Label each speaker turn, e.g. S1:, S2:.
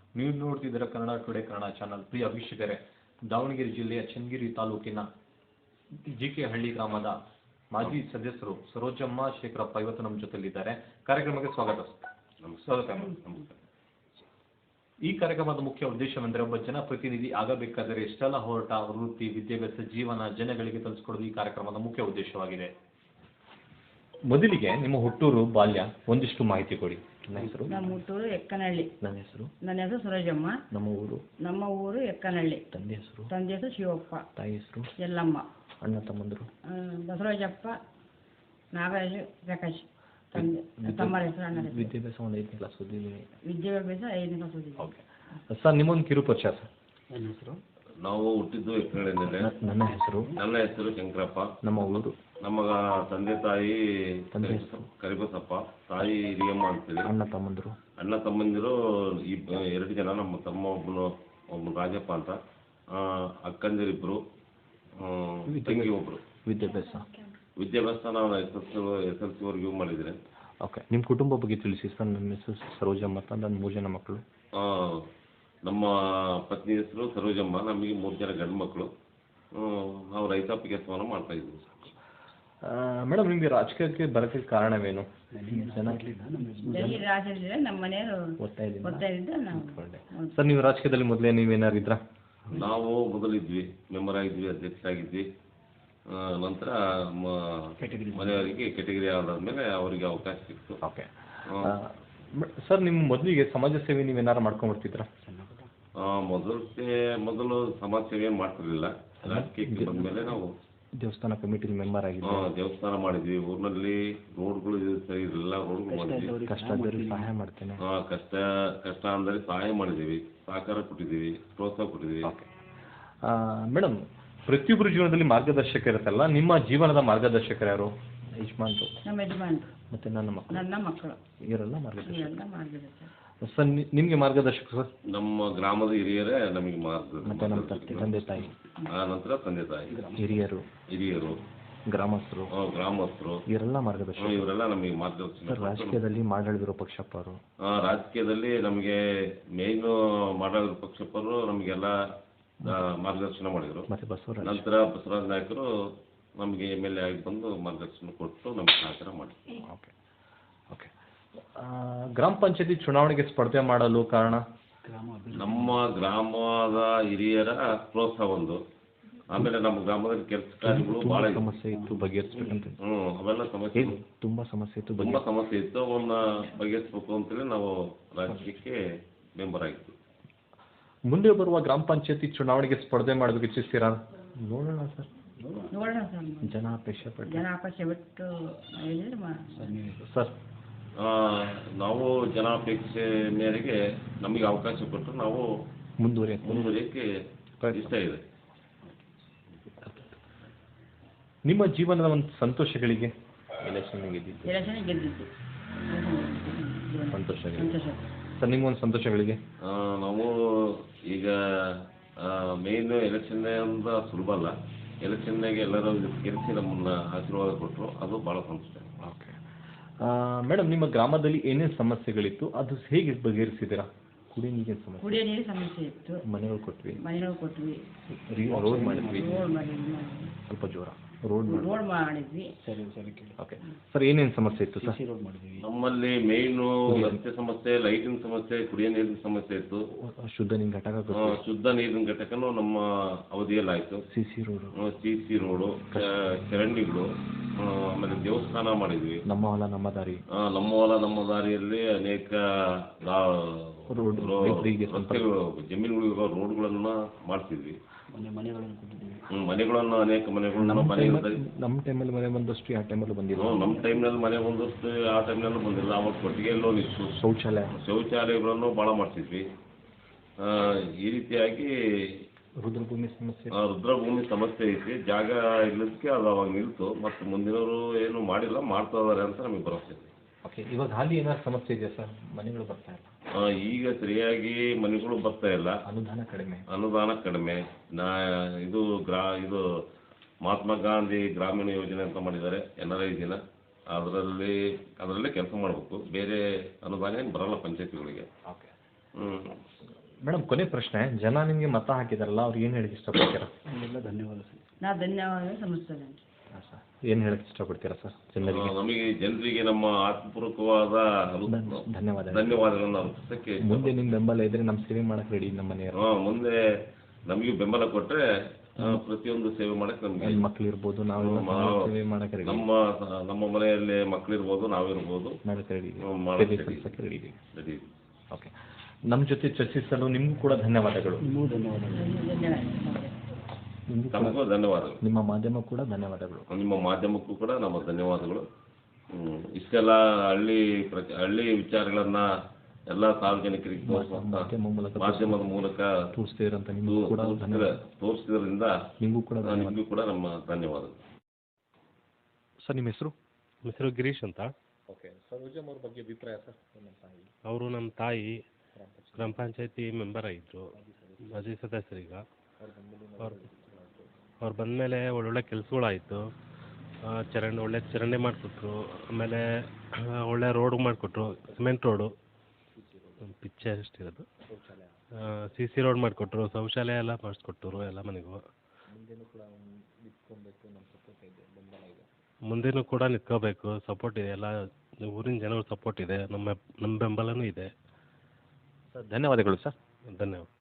S1: ನೀವು ನೋಡ್ತಿದ್ದೀರಾ Kannada today Kannada channel. ಪ್ರಿಯ ವೀಕ್ಷಕರೇ, ದಾವಣಗೆರೆ ಜಿಲ್ಲೆಯ ಚನ್ನಗಿರಿ ತಾಲೂಕಿನ ಜಿಕೆ ಹಳ್ಳಿ ಗ್ರಾಮದ ಮಾಜಿ ಸದಸ್ಯರು ಸರೋಜಮ್ಮ ಶೇಖರಪ್ಪ ಇವತ್ತು ನಮ್ಮ ಜೊತೆಲಿದ್ದಾರೆ. ಕಾರ್ಯಕ್ರಮಕ್ಕೆ ಸ್ವಾಗತ. ಈ ಕಾರ್ಯಕ್ರಮದ ಮುಖ್ಯ ಉದ್ದೇಶವೆಂದರೆ ಒಬ್ಬ ಜನಪ್ರತಿನಿಧಿ ಆಗಬೇಕಾದರೆ ಎಷ್ಟೆಲ್ಲ ಹೋರಾಟ, ವೃತ್ತಿ, ವಿದ್ಯಾಭ್ಯಾಸ, ಜೀವನ ಜನಗಳಿಗೆ ತಿಳಿಸಿಕೊಡುವುದು ಈ ಕಾರ್ಯಕ್ರಮದ ಮುಖ್ಯ ಉದ್ದೇಶವಾಗಿದೆ. ಮೊದಲಿಗೆ ನಿಮ್ಮ ಹುಟ್ಟೂರು, ಬಾಲ್ಯ ಒಂದಿಷ್ಟು ಮಾಹಿತಿ ಕೊಡಿ. ನನ್ನ ಹೆಸರು?
S2: ನಮ್ಮ ಹುಟ್ಟೂರು ಎಕ್ಕನಹಳ್ಳಿ.
S1: ನನ್ನ ಹೆಸರು?
S2: ನನ್ನ ಹೆಸರು ಸರೋಜಮ್ಮ. ನಮ್ಮ ಊರು ಎಕ್ಕನಹಳ್ಳಿ.
S1: ತಂದೆ ಹೆಸರು?
S2: ತಂದೆ ಹೆಸರು ಶಿವಪ್ಪ.
S1: ತಾಯಿ ಹೆಸರು?
S2: ಎಲ್ಲಮ್ಮ.
S1: ಅಣ್ಣ ತಮ್ಮಂದರು?
S2: ಬಸವರಾಜಪ್ಪ, ನಾಗರಾಜ್, ಪ್ರಕಾಶ್. ತಮ್ಮರ ಹೆಸರು, ಅಣ್ಣನ ಹೆಸರು.
S1: ವಿದ್ಯಾಭ್ಯಾಸ ಒಂದು 5ನೇ ಕ್ಲಾಸ್ ಓದಿದ್ದೀನಿ.
S2: ವಿದ್ಯಾಭ್ಯಾಸ 5ನೇ ಕ್ಲಾಸ್ ಓದಿದ್ದೀನಿ.
S1: ಓಕೆ ಸರ್, ನಿಮ್ಮೊಂದು ಕಿರು ಪರಿಚಯ ಸರ್.
S3: ನನ್ನ ಹೆಸರು?
S4: ನಾವು ಹುಟ್ಟಿದ್ದು ಎಕ್ಕನಹಳ್ಳಿಯಲ್ಲೇ.
S1: ನನ್ನ ಹೆಸರು?
S4: ನನ್ನ ಹೆಸರು ಶಂಕರಪ್ಪ.
S1: ನಮ್ಮ ಊರು?
S4: ನಮ್ಮ ತಂದೆ ತಾಯಿ
S1: ತಂದೆ ಹೆಸರು?
S4: ಕರಿಬಸಪ್ಪ, ತಾಯಿ ಹಿರಿಯಮ್ಮ ಅಂತೇಳಿ.
S1: ಅಣ್ಣ ತಮ್ಮಂದರು?
S4: ಅಣ್ಣ ತಮ್ಮಂದಿರು 2 ಜನ. ನಮ್ಮ ತಮ್ಮ ಒಬ್ಬನು ರಾಜಪ್ಪ ಅಂತ, ಅಕ್ಕಂದಿರಿಬ್ಬರು, ತಂಗಿ ಒಬ್ಬರು. ವಿದ್ಯಾಭ್ಯಾಸ ನಾನು SSLC ಮಾಡಿದರೆ.
S1: ಓಕೆ, ನಿಮ್ಮ ಕುಟುಂಬ ಬಗ್ಗೆ ತಿಳಿಸಿ ಸರ್. ನನ್ನ ಹೆಸರು ಸರೋಜಮ್ಮ ಅಂತ, ನನ್ನ 3 ಜನ ಮಕ್ಕಳು.
S4: ನಮ್ಮ ಪತ್ನಿ ಹೆಸರು ಸರೋಜಮ್ಮ. ನಮಗೆ 3 ಜನ ಗಂಡು ಮಕ್ಕಳು. ನಾವು ರೈತಾಪಿ ಕೆಲಸವನ್ನು ಮಾಡ್ತಾ ಇದ್ದೀವಿ.
S1: ಮೇಡಮ್, ನಿಮಗೆ ರಾಜಕೀಯಕ್ಕೆ ಬರೋಕ್ಕೆ ಕಾರಣವೇನು?
S2: ನಮ್ಮ ಮನೆಯವರು
S1: ಸರ್, ನೀವು ರಾಜಕೀಯದಲ್ಲಿ ಮೊದಲೇ ನೀವೇನಾರು ಇದ್ರಾ?
S4: ನಾವು ಮೊದಲಿದ್ವಿ, ಮೆಂಬರ್ ಆಗಿದ್ವಿ, ಅಧ್ಯಕ್ಷರಾಗಿದ್ವಿ. ನಂತರ ಮನೆಯವರಿಗೆ ಕೆಟಗರಿ ಆದಾದ್ಮೇಲೆ ಅವರಿಗೆ ಅವಕಾಶ ಸಿಕ್ತು.
S1: ಓಕೆ ಸರ್, ನಿಮ್ಮ ಮೊದಲಿಗೆ ಸಮಾಜ ಸೇವೆ ನೀವೇನಾರು ಮಾಡ್ಕೊಂಡ್ಬರ್ತಿದ್ರಾ?
S4: ಮೊದಲು ಸಮಾಜ ಸೇವೆ ಮಾಡ್ತಿರ್ಲಿಲ್ಲ. ರಾಜಕೀಯಕ್ಕೆ ಬಂದ್ಮೇಲೆ ನಾವು
S1: ದೇವಸ್ಥಾನ ಕಮಿಟಿ ಮೆಂಬರ್ ಆಗಿದ್ವಿ.
S4: ದೇವಸ್ಥಾನ ಮಾಡಿದ್ವಿ. ಊರಿನಲ್ಲಿ ರೋಡ್ಗಳು ಸರಿ ಇರಲಿಲ್ಲ, ರೋಡ್ಗಳು ಮಾಡಿದ್ವಿ.
S1: ಕಷ್ಟ ಆದವರಿಗೆ ಸಹಾಯ ಮಾಡ್ತೇನೆ.
S4: ಕಷ್ಟ ಅಂದರೆ ಸಹಾಯ ಮಾಡಿದ್ದೀವಿ, ಸಹಕಾರ ಕೊಟ್ಟಿದ್ದೀವಿ, ಪ್ರೋತ್ಸಾಹ ಕೊಟ್ಟಿದ್ದೀವಿ.
S1: ಮೇಡಮ್, ಪ್ರತಿಯೊಬ್ಬರ ಜೀವನದಲ್ಲಿ ಮಾರ್ಗದರ್ಶಕ ಇರುತ್ತಲ್ಲ, ನಿಮ್ಮ ಜೀವನದ ಮಾರ್ಗದರ್ಶಕರು ಯಾರು? ಯಜಮಾನ್ರು?
S2: ನಮ್ಮ ಯಜಮಾನ್ರು.
S1: ಮತ್ತೆ ನನ್ನ ಮಕ್ಕಳು
S2: ಇವರೆಲ್ಲ
S1: ಮಾರ್ಗದರ್ಶಕ. ಸರ್, ನಿಮಗೆ ಮಾರ್ಗದರ್ಶಕ ಸರ್?
S4: ನಮ್ಮ ಗ್ರಾಮದ ಹಿರಿಯರೇ ನಮಗೆ
S1: ಮತ್ತೆ ನಮ್ಮ ತಂದೆ ತಾಯಿ,
S4: ನಂತರ ತಂದೆ ತಾಯಿ, ಹಿರಿಯರು, ಗ್ರಾಮಸ್ಥರು
S1: ಇವರೆಲ್ಲ ಮಾರ್ಗದರ್ಶಕ.
S4: ಇವರೆಲ್ಲ ನಮಗೆ ಮಾರ್ಗದರ್ಶನ.
S1: ರಾಜಕೀಯದಲ್ಲಿ ಮಾಡಾಳಿದಿರೋ ಪಕ್ಷಪ್ಪರು?
S4: ರಾಜಕೀಯದಲ್ಲಿ ನಮಗೆ ಮೇನ್ ಮಾಡಾಳಿರೋ ಪಕ್ಷಪ್ಪರು ನಮಗೆಲ್ಲ ಮಾರ್ಗದರ್ಶನ ಮಾಡಿದರು. ನಂತರ ಬಸವರಾಜ ನಾಯಕರು ನಮಗೆ MLA ಆಗಿ ಬಂದು ಮಾರ್ಗದರ್ಶನ ಕೊಟ್ಟು ನಮಗೆ ಸಹಕಾರ ಮಾಡಿದ್ರು.
S1: ಓಕೆ ಓಕೆ ಗ್ರಾಮ ಪಂಚಾಯತಿ ಚುನಾವಣೆಗೆ ಸ್ಪರ್ಧೆ ಮಾಡಲು ಕಾರಣ?
S4: ನಮ್ಮ ಗ್ರಾಮದ ಹಿರಿಯರ ಪ್ರೋತ್ಸಾಹ ಒಂದು. ಆಮೇಲೆ ನಮ್ಮ ಗ್ರಾಮದಲ್ಲಿ ಕೆಲಸ ಕಾರ್ಯಗಳು ಬಹಳ
S1: ಸಮಸ್ಯೆ ಇತ್ತು, ಬಗೆಹರಿಸಬೇಕಂತ.
S4: ಅವೆಲ್ಲ ಸಮಸ್ಯೆ
S1: ತುಂಬಾ ಸಮಸ್ಯೆ
S4: ಇತ್ತು. ಅವನ್ನ ಬಗೆಹರಿಸಬೇಕು ಅಂತೇಳಿ ನಾವು ರಾಜಕೀಯಕ್ಕೆ ಮೆಂಬರ್ ಆಗಿದ್ವಿ.
S1: ಮುಂದೆ ಬರುವ ಗ್ರಾಮ ಪಂಚಾಯತಿ ಚುನಾವಣೆಗೆ ಸ್ಪರ್ಧೆ ಮಾಡಬೇಕು ಇಚ್ಛಿಸ್ತೀರಾ? ನೋಡೋಣ ಸರ್, ಜನಾಪೇಕ್ಷೆ
S2: ಬಿಟ್ಟು
S1: ಸರ್.
S4: ನಾವು ಜನಾಪೇಕ್ಷೆ ಮೇರೆಗೆ ನಮಗೆ ಅವಕಾಶ ಕೊಟ್ಟು ನಾವು ಮುಂದುವರಿಯಕ್ಕೆ ಇಷ್ಟ ಇದೆ.
S1: ನಿಮ್ಮ ಜೀವನದ ಒಂದು ಸಂತೋಷಗಳಿಗೆ? ಎಲೆಕ್ಷನ್
S2: ಗೆದ್ದಿದ್ದು
S1: ಸಂತೋಷ ಸರ್. ನಿಮ್ಮ ಒಂದು ಸಂತೋಷಗಳಿಗೆ?
S4: ನಾವು ಈಗ ಮೇನ್ ಎಲೆಕ್ಷನ್ ಅಂತ ಸುಲಭ ಅಲ್ಲ. ಎಲೆಕ್ಷನ್ನಾಗೆ ಎಲ್ಲರೂ ಗೆಲ್ಲಿಸಿ ನಮ್ಮನ್ನ ಆಶೀರ್ವಾದ ಕೊಟ್ಟರು, ಅದು ಭಾಳ ಸಂತೋಷ.
S1: ಓಕೆ ಮೇಡಮ್, ನಿಮ್ಮ ಗ್ರಾಮದಲ್ಲಿ ಏನೇನು ಸಮಸ್ಯೆಗಳಿತ್ತು, ಅದು ಹೇಗೆ ಬಗೆಹರಿಸಿದ್ದೀರಾ? ಕುಡಿಯೋ ನೀರಿನ
S2: ಸಮಸ್ಯೆ ಇತ್ತು.
S1: ಮನೆಗಳು ಕೊಟ್ವಿ.
S2: ರೋಡ್
S1: ಮಾಡಿದ್ವಿ. ಸ್ವಲ್ಪ ಜೋರ ರೋಡ್
S2: ಮಾಡಿದ್ವಿ.
S1: ಓಕೆ ಸರ್, ಏನೇನು ಸಮಸ್ಯೆ ಇತ್ತು ಸರ್?
S4: ನಮ್ಮಲ್ಲಿ ಮೇಯ್ನು ರಸ್ತೆ ಸಮಸ್ಯೆ, ಲೈಟಿನ ಸಮಸ್ಯೆ, ಕುಡಿಯೋ ನೀರಿನ ಸಮಸ್ಯೆ ಇತ್ತು.
S1: ಶುದ್ಧ ನೀರಿನ ಘಟಕ?
S4: ಶುದ್ಧ ನೀರಿನ ಘಟಕನೂ ನಮ್ಮ ಅವಧಿಯಲ್ಲಿ ಆಯಿತು.
S1: CC ರೋಡು,
S4: ಚರಂಡಿಗಳು, ಆಮೇಲೆ ದೇವಸ್ಥಾನ ಮಾಡಿದ್ವಿ.
S1: ನಮ್ಮ ಹೊಲ ನಮ್ಮ ದಾರಿಯಲ್ಲಿ ಅನೇಕ
S4: ಜಮೀನುಗಳಿರೋ ರೋಡ್ಗಳನ್ನು ಮಾಡ್ತಿದ್ವಿ. ಮನೆಗಳನ್ನು ಅನೇಕ ಮನೆಗಳನ್ನು
S1: ನಮ್ಮ ಟೈಮಲ್ಲಿ ಮನೆ ಬಂದಷ್ಟು ಯಾವ ಟೈಮಲ್ಲಿ ಬಂದಿಲ್ಲ.
S4: ನಮ್ಮ ಟೈಮ್ನಲ್ಲಿ ಮನೆ ಬಂದಷ್ಟು ಆ ಟೈಮ್ನಲ್ಲೂ ಬಂದಿಲ್ಲ. ಅವಾಗ ಕೊಟ್ಟಿಗೆ ಲೋನ್ ಇತ್ತು. ಶೌಚಾಲಯಗಳನ್ನು ಭಾಳ ಮಾಡ್ತಿದ್ವಿ. ಈ ರೀತಿಯಾಗಿ ರುದ್ರಭೂಮಿ ಸಮಸ್ಯೆ ಐತಿ. ಜಾಗ ಇಲ್ಲದಕ್ಕೆ ಅದು ಅವಾಗ ನಿಲ್ತು. ಮತ್ತು ಮುಂದಿನವರು ಏನು ಮಾಡಿಲ್ಲ, ಮಾಡ್ತಾ ಇದಾರೆ ಅಂತ ನಮಗೆ ಭರವಸೆ ಇದೆ.
S1: ಓಕೆ, ಇವಾಗ ಹಾಲಿ ಏನಾದ್ರು ಸಮಸ್ಯೆ ಇದೆಯಾ ಸರ್? ಮನೆಗಳು ಬರ್ತಾ ಇಲ್ಲ.
S4: ಈಗ ಸರಿಯಾಗಿ ಮನೆಗಳು ಬರ್ತಾ ಇಲ್ಲ. ಅನುದಾನ ಕಡಿಮೆ. ಇದು ಮಹಾತ್ಮ ಗಾಂಧಿ ಗ್ರಾಮೀಣ ಯೋಜನೆ ಅಂತ ಮಾಡಿದ್ದಾರೆ, NRI ದಿನ. ಅದರಲ್ಲೇ ಕೆಲಸ ಮಾಡಬೇಕು. ಬೇರೆ ಅನುದಾನ ಏನು ಬರಲ್ಲ ಪಂಚಾಯತಿಗಳಿಗೆ.
S1: ಮೇಡಮ್ ಕೊನೆ ಪ್ರಶ್ನೆ, ಜನ ನಿಮಗೆ ಮತ ಹಾಕಿದಾರಲ್ಲ ಅವ್ರಿಗೆ ಏನು ಹೇಳಕ್ಕೆ ಇಷ್ಟಪಡ್ತೀರಾ?
S2: ನಾ ಧನ್ಯವಾದ ಸಮರ್ಪಿಸ್ತೇನೆ.
S1: ಹಾಂ ಸರ್, ಏನು ಹೇಳಕ್ಕೆ ಇಷ್ಟಪಡ್ತೀರಾ ಸರ್ ಜನರಿಗೆ?
S4: ನಮಗೆ ಜನರಿಗೆ ನಮ್ಮ ಆತ್ಮಪೂರ್ವಕವಾದ ಧನ್ಯವಾದಗಳನ್ನು ಅರ್ಪಿಸೋಕ್ಕೆ
S1: ಮುಂದೆ ನಿಮ್ಮ ಬೆಂಬಲ ಇದ್ರೆ ನಮ್ಮ ಸೇವೆ ಮಾಡಕ್ಕೆ ರೆಡಿ ನಮ್ಮ ಮನೆಯವರು.
S4: ಮುಂದೆ ನಮಗೆ ಬೆಂಬಲ ಕೊಟ್ಟರೆ ಪ್ರತಿಯೊಂದು ಸೇವೆ ಮಾಡಕ್ಕೆ ನಮಗೆ
S1: ಮಕ್ಳು ಇರ್ಬೋದು, ನಾವು ಸೇವೆ ಮಾಡಕ್ಕೆ ರೆಡಿ.
S4: ನಮ್ಮ ಮನೆಯಲ್ಲಿ ಮಕ್ಕಳಿರ್ಬೋದು, ನಾವಿರ್ಬೋದು,
S1: ಮಾಡಕ್ಕೆ ರೆಡಿ,
S4: ಮಾಡಕ್ಕೆ
S1: ಸೇವೆ ಸಲ್ಲಿಸಕ್ಕೆ ರೆಡಿ.
S4: ರೆಡಿ.
S1: ಓಕೆ, ನಮ್ಮ ಜೊತೆ ಚರ್ಚಿಸಲು ನಿಮಗೂ ಕೂಡ ಧನ್ಯವಾದಗಳು.
S4: ತಮಗೂ ಧನ್ಯವಾದಗಳು.
S1: ನಿಮ್ಮ ಮಾಧ್ಯಮ ಕೂಡ ಧನ್ಯವಾದಗಳು.
S4: ನಿಮ್ಮ ಮಾಧ್ಯಮಕ್ಕೂ ಕೂಡ ನಮ್ಮ ಧನ್ಯವಾದಗಳು. ಇಷ್ಟೆಲ್ಲ ಹಳ್ಳಿ ವಿಚಾರಗಳನ್ನ ಎಲ್ಲ ಸಾರ್ವಜನಿಕರಿಗೆ ಮಾಧ್ಯಮದ ಮೂಲಕ ತೋರಿಸಿದ್ರಿಂದ ನಿಮಗೂ ಕೂಡ ನಮ್ಮ ಧನ್ಯವಾದಗಳು.
S1: ಸರ್, ನಿಮ್ಮ ಹೆಸರು?
S3: ನಮ್ಮ ಹೆಸರು ಗಿರೀಶ್ ಅಂತ.
S1: ಓಕೆ, ಸರೋಜಮ್ ಅವ್ರ ಬಗ್ಗೆ ಅಭಿಪ್ರಾಯ ಸರ್?
S3: ಅವರು ನಮ್ಮ ತಾಯಿ ಗ್ರಾಮ ಪಂಚಾಯತಿ ಮೆಂಬರ್ ಆಗಿದ್ದರು, ಮಾಜಿ ಸದಸ್ಯರೀಗ. ಅವ್ರು ಬಂದಮೇಲೆ ಒಳ್ಳೊಳ್ಳೆ ಕೆಲಸಗಳಾಯಿತು. ಒಳ್ಳೆ ಚರಂಡಿ ಮಾಡಿಕೊಟ್ರು, ಆಮೇಲೆ ಒಳ್ಳೆ ರೋಡ್ ಮಾಡಿಕೊಟ್ರು, ಸಿಮೆಂಟ್ ರೋಡು, ಪಿಚ್ಚೆ ಅಷ್ಟಿರೋದು, CC ರೋಡ್ ಮಾಡಿಕೊಟ್ರು, ಶೌಚಾಲಯ ಎಲ್ಲ ಮಾಡಿಸ್ಕೊಟ್ಟರು ಎಲ್ಲ ಮನೆಗೂ. ಮುಂದೇನೂ ಕೂಡ ನಿಂತ್ಕೋಬೇಕು, ಸಪೋರ್ಟ್ ಇದೆ, ಎಲ್ಲ ಊರಿನ ಜನಗಳ ಸಪೋರ್ಟ್ ಇದೆ, ನಮ್ಮ ಬೆಂಬಲನೂ ಇದೆ.
S1: ಧನ್ಯವಾದಗಳು ಸರ್.
S3: ಧನ್ಯವಾದ.